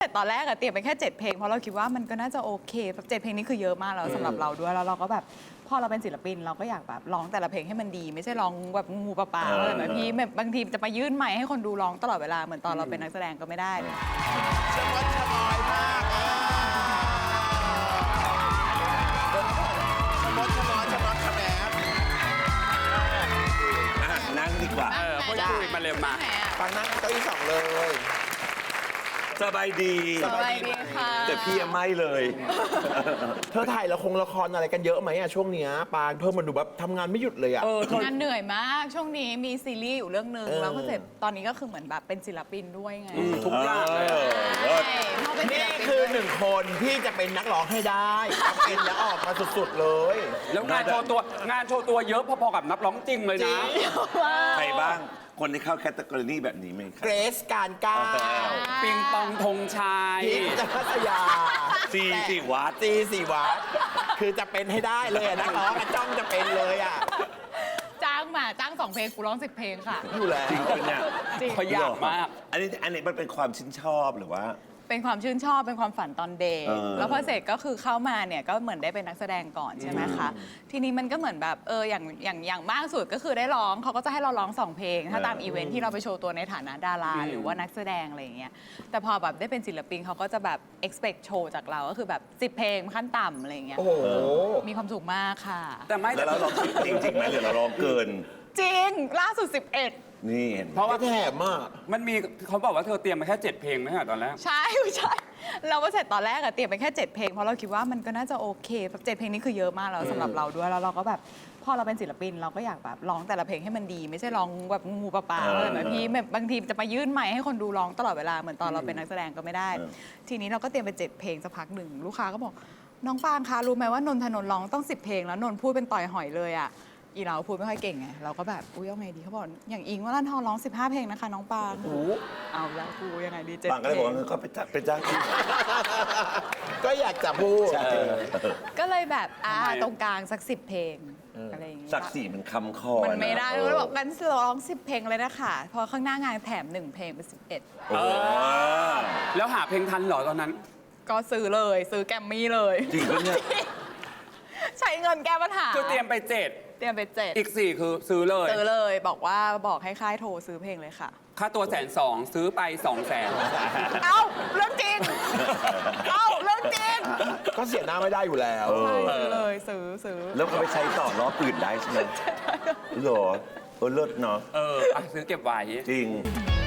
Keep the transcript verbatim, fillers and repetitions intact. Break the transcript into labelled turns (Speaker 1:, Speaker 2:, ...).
Speaker 1: ตอนแรกอะเตรียมไปแค่เจ็ดเพลงเพราะเราคิดว่ามันก็น่าจะโอเคแบบเจ็ดเพลงนี้คือเยอะมากแล้วสำหรับเราด้วยแล้วเราก็แบบพอเราเป็นศิลปินเราก็อยากแบบร้องแต่ละเพลงให้มันดีไม่ใช่ร้องแบบงูปลาปลาอะไรแบบพี่แบบบางทีจะมายื่นไมค์ให้คนดูร้องตลอดเวลาเหมือนตอนเราเป็นนักแสดงก็ไม่ได้
Speaker 2: ชะมดชะมอยมากอ่ะชะมดชะมอยชะมดชะแหม
Speaker 3: นั่งดีกว่า
Speaker 4: เออพูดคุยมาเร็วมา
Speaker 2: ฟังนั่งเก้าอี้สองเลย
Speaker 3: สบายดี
Speaker 1: สบายดีค่ะ
Speaker 3: แต่พี่ยังไม่เลย
Speaker 2: เธอถ่ายละครละครอะไรกันเยอะไหมอะช่วงเนี้ยปานเพิ่มมันดูแบบทำงานไม่หยุดเลยอะ
Speaker 4: เออทน
Speaker 1: งานเหนื่อยมากช่วงนี้มีซีรีส์อยู่เรื่องหนึ่ง
Speaker 2: เออ
Speaker 1: แล้วก็เสร็จตอนนี้ก็คือเหมือนแบบเป็นศิลปินด้วยไง
Speaker 4: ทุกอย่างเลย
Speaker 3: เออ
Speaker 1: ใช่พอเป็นศิ
Speaker 2: นี่
Speaker 1: ลปิน
Speaker 2: คือหนึ่งคนที่จะเป็นนักร้องให้ได้ทำเป็นแล้วออกมาสุดๆเลย
Speaker 4: แล้วงานโชว์ตัวงานโชว์ตัวเยอะพอๆกับนักร้องจริงเลย
Speaker 2: จริ
Speaker 4: นะ
Speaker 2: ง
Speaker 3: ใครบ้างคนที่เข้าแคตตากรีแบบนี้ไหมค
Speaker 2: เก
Speaker 3: รับ
Speaker 2: รซการก้าว
Speaker 4: ปิงปองธงชัย
Speaker 2: พิจพัทยา
Speaker 3: ซีสี่วัด
Speaker 2: ซีสี่วัดคือจะเป็นให้ได้เลยอะนักร้องอะจ้องจะเป็นเลยอะ
Speaker 1: จ้างมาจ้างสองเพลงกูร้องสิบเพลงค่ะ
Speaker 2: อยู่แล้ว
Speaker 3: จริงปะเนี่ย
Speaker 1: จริง
Speaker 4: เขาอยากมาก
Speaker 3: อันนี้อันนี้มันเป็นความชื่นชอบหรือว่า
Speaker 1: เป็นความชื่นชอบเป็นความฝันตอนเด็ก
Speaker 3: เออ
Speaker 1: แล้วพอเสร็จก็คือเข้ามาเนี่ยก็เหมือนได้เป็นนักแสดงก่อนใช่ไหมคะทีนี้มันก็เหมือนแบบเอออย่างอย่างอย่างมากสุดก็คือได้ร้องเขาก็จะให้เราร้องสองเพลง ถ้าตามอีเวนท์ที่เราไปโชว์ตัวในฐานะดาราหรือว่านักแสดงอะไรอย่างเงี้ยแต่พอแบบได้เป็นศิลปินเขาก็จะแบบ expect โชว์จากเราก็คือแบบสิบเพลงขั้นต่ำอะไรอย่างเงี้ย
Speaker 2: โอ้โห
Speaker 1: มีความสุขมากค่ะ
Speaker 4: แต่ไม่
Speaker 3: แล้วเราลองจริงจริงๆไหมหรือเราลองเกิน
Speaker 1: จริงล่าสุดสิบเอ็ด
Speaker 3: นี่เห็น
Speaker 4: เพราะว่า
Speaker 2: แถมอ่ะ
Speaker 4: มันมีเขาบอกว่าเธอเตรียมมาแค่เจ็ดเพลงไหมอะตอนแรก
Speaker 1: ใช่ใช่เราก็เสร็จตอนแรกอะเตรียมไปแค่เจ็ดเพลงเพราะเราคิดว่ามันก็น่าจะโอเคแบบเจ็ดเพลงนี้คือเยอะมากแล้วสำหรับเราด้วยแล้วเราก็แบบพอเราเป็นศิลปินเราก็อยากแบบร้องแต่ละเพลงให้มันดี ไม่ใช่ร้องแบบงูปลาปลาอะไรแบบพี่แบบบางทีจะมายื่นไมค์ให้คนดูร้องตลอดเวลาเหมือนตอนเราเป็นนักแสดงก็ไม่ได้ ทีนี้เราก็เตรียมไปเจ็ดเพลงสักพักหนึ่งลูกค้าก็บอกน้องปางคะรู้ไหมว่านนทนนท์ร้องต้องสิบเพลงแล้วนนท์พูดเป็นต่อยหอยเลยอะอีเราพูดไม่ค่อยเก่งไงเราก็แบบอุ้ยเอาไงดีเขาบอกอย่างอิงว่าลันทองร้องสิบห้าเพลงนะคะน้องปางเอาแล้วกูยังไงดีเจ็ด
Speaker 3: บางก็
Speaker 1: เพ
Speaker 3: เลย
Speaker 1: ล
Speaker 3: บอก
Speaker 1: ง
Speaker 3: ว่าก็ไปจ้างไปจ้างที่
Speaker 2: ก็อยากจะพูด
Speaker 1: ก็เลยแบบอ่าตรงกลางสักสิบเพลงอะไรอย่างเงี้ย
Speaker 3: ศักดิ์ศรีมันคำคอ
Speaker 1: มันไม่ได้
Speaker 3: เอ
Speaker 1: ก็
Speaker 3: อ
Speaker 1: บอกกันร้องสิบเพลงเลยนะคะพอข้างหน้างานแถมหนึ่งเพลงเป็นสิบเอ็ด
Speaker 3: โอ้โห
Speaker 4: แล้วหาเพลงทันเหรอตอนนั้น
Speaker 1: ก็ซื้อเลยซื้อแกรมมี่เลย
Speaker 3: จริงปะเนี่ย
Speaker 1: ใช้เงินแก้ปัญหา
Speaker 4: คือเตรียมไปเจ็ด
Speaker 1: เตรียมไปเจ็ด
Speaker 4: อีกสี่คือซื้อเลย
Speaker 1: ซื้อเลยบอกว่าบอกให้ค่ายโทรซื้อเพลงเลยค่ะ
Speaker 4: ค่าตัวแสนสองซื้อไปสองแสน
Speaker 1: เอ้าเรื่องจริงเอ้าเรื่องจริง
Speaker 2: ก็เสียหน้าไม่ได้อยู่แล้ว
Speaker 3: เออ
Speaker 1: ใช่ซื้อเลยซื้อซื้อ
Speaker 3: แล้วก็ไปใช้ต่อรอบอื่นได้ใช่ไหมเหรอเออเลิศเนาะ
Speaker 4: เอออ่ะซื้อเก็บไว้
Speaker 3: จริง